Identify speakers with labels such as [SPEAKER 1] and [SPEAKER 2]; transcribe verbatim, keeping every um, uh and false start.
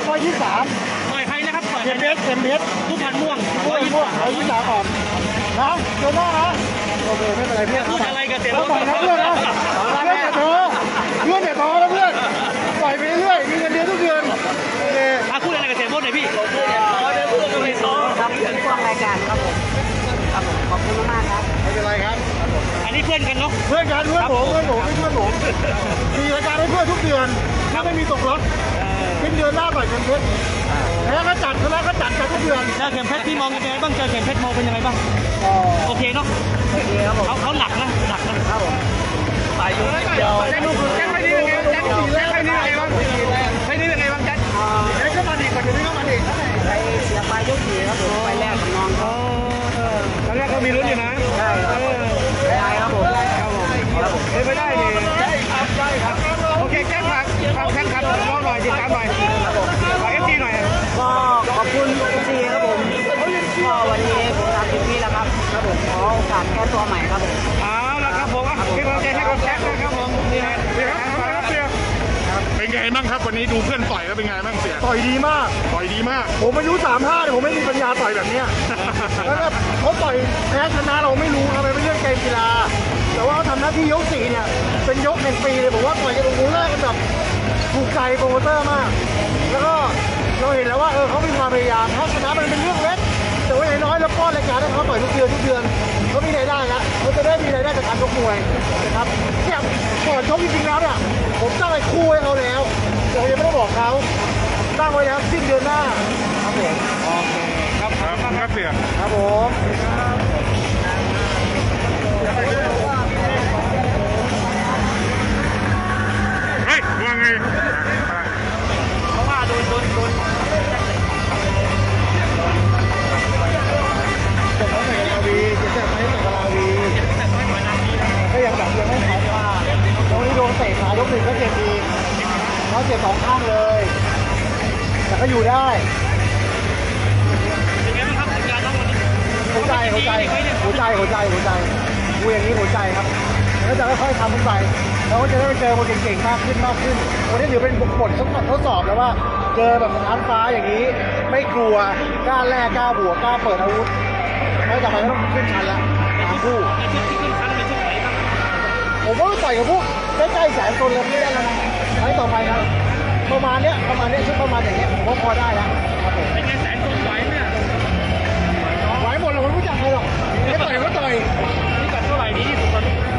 [SPEAKER 1] ชร้อยยี่สิบสาม
[SPEAKER 2] ต่อยใครนะครับต่อย
[SPEAKER 1] เข็มเพชรเข็มเพชร
[SPEAKER 2] ทุกพันม่วง
[SPEAKER 1] ม่วงม่วงร้อยยี่สิบสามก่อนนะเจอหน้านะโอเคไม่เป็นไรเพื่อน
[SPEAKER 2] พูดอะไรกับเสีย
[SPEAKER 1] ต้
[SPEAKER 2] โบ๊
[SPEAKER 1] อง
[SPEAKER 2] ท
[SPEAKER 1] ปล่อยนะเพื่อนนะเพื่อนอย่าท้อเพื่อนอย่าท้อนะเพื่อนปล่อยไปเรื่อยมีเงินเดือนทุกเดือนโอเค
[SPEAKER 2] อ่ะพูดอะไรกับเสียโบ๊ทหน่อยพี่
[SPEAKER 3] ครับเป็นช่วงรายการครับผมครับผมขอบคุณมากครับ
[SPEAKER 1] ไม่เป็นไรครับ
[SPEAKER 2] อันนี้เพื่อนกันเนาะ
[SPEAKER 1] เพื่อนกันเพื่อนผมเพื่อนผมเพื่อนผมมีรายการให้เพื่อนทุกเดือนถ้าไม่มีตกรถสิ้นเดือนหน้าปล่อยเข็มเพชรแล้วก็จัดแล้วก็จัดกันทุกเดือน
[SPEAKER 2] เจอเข็มเพชรพี่มองยังไงบ้างเจอเข็มเพชรมองเป็นยังไงบ้าง
[SPEAKER 1] อ๋อ
[SPEAKER 2] โอเคเนาะ
[SPEAKER 3] โอเคครับผม
[SPEAKER 2] เขาเขาหนักนะหนักนะครับ
[SPEAKER 3] ผมไปอยู่เดียว
[SPEAKER 1] แจ็คดูแจ็คไปนี่ยังไงแจ็คสี่แรกไปนี่ยังไงบ้างไปนี่ยังไงบ้างแจ็คแจ็คก็มาดีกว่าเดี๋ยวนี้ก็มาดี
[SPEAKER 3] ไปเสียไปยกสี่ครับผมไปแรกกับน้องเขา
[SPEAKER 1] ตอนแรกเขามีลุ้นอยู่นะ
[SPEAKER 3] ใช่ครับได้ครับผมครับผมครับผม
[SPEAKER 1] เฮ้ยไม่ได้ดิใช่ครับใช่ครับโอเคแจ็คฝากฝากแฟนคลับน้องหน่อยติดตามหน่อยฝากเอฟซีหน่อย
[SPEAKER 3] ก็ขอบคุณทุกทีครับผมก็วันนี้ผมทำเต็มที่แล้วครับครับผมขอโอกาสแก้ตัวใหม่ครับผม
[SPEAKER 1] เอาละครับผมเป็นกำลังใจให้กับแจ็คนะครับผมนี่ฮะเสียครับเสียเป็นไงบ้างครับวันนี้ดูเพื่อนต่อยแล้วเป็นไงบ้างเสียต่อยดีมากต่อยดีมากผมอายุสามห้าเนี่ยผมไม่มีปัญญาต่อยแบบเนี้ยแล้วก็เขาต่อยแพ้ชนะเราไม่รู้ครับเป็นเรื่องเกมกีฬาแต่ว่าเขาทำหน้าที่ยกสี่เนี่ยเป็นยกแห่งปีเลยผมว่าต่อยกันโอ้โหแรกกันแบบถูกใจโปรโมเตอร์มากแล้วก็เราเห็นแล้วว่าเออเขามีความพยายามถ้าชนะมันเป็นเรื่องเล็กแต่ว่าอย่างน้อยแล้วป้อนรายการให้เขาต่อยทุกเดือนทุกเดือนเขามีรายได้ละเขาจะได้มีรายได้จากการชกมวยนะครับเนี่ยก่อนชกจริงๆแล้วเนี่ยผมตั้งไอ้คู่ให้เขาแล้วแต่ผมยังไม่ได้บอกเขาตั้งไว้แล้วสิ้นเดือนหน้าครับผมโอเคครับครับครับเสียครับผมเฮ้ยว่าไงเพราะว่าโดนโดนโดนจะเขาใส่กะลาวีจะจะใช้ใส่กะลาวีก็ยังแบบยังไม่ขายว่าตรงนี้โดนเตะขายกหนึ่งก็เจ็บดีเขาเจ็บสองข้างเลยแต่ก็อยู่ได้
[SPEAKER 2] เป็นไงบ้างครับงานน้องวันนี้
[SPEAKER 1] หัวใจหัวใจหัวใจหัวใจหัวใจดูอย่างนี้หัวใจครับแล้วจะค่อยๆทำขึ้นไปเราก็จะได้เจอคนเก่งๆมากขึ้นมากขึ้นวันนี้ถือเป็นบททดสอบแล้วว่าเจอแบบท้าฟ้าอย่างนี้ไม่กลัวกล้าแลกกล้าบวกกล้าเปิดอาวุธแล้วต่อไปก็ต้องขึ้นชั้นละทั้งคู่
[SPEAKER 2] ในชุดที่ขึ้นชั้นเป็นชุดไหนบ้าง
[SPEAKER 1] ผมว่าต่อยกับพวกใกล้ๆแสนคนเลยไม่ได้แล้วนะไฟต่อไปครับประมาณเนี้ยประมาณเนี้ยชุดประมาณอย่างเงี้ยผมว่าพอได้แล้วครับผม
[SPEAKER 2] เป็นไงแสนคนไหวไหมเนี่ย
[SPEAKER 1] ไหวหมดเราไม่รู้จักใครหรอกไม่ต่อยก็ต่อย
[SPEAKER 2] นี่กัดเท่าไหร่ดีที่สุดตอนนี้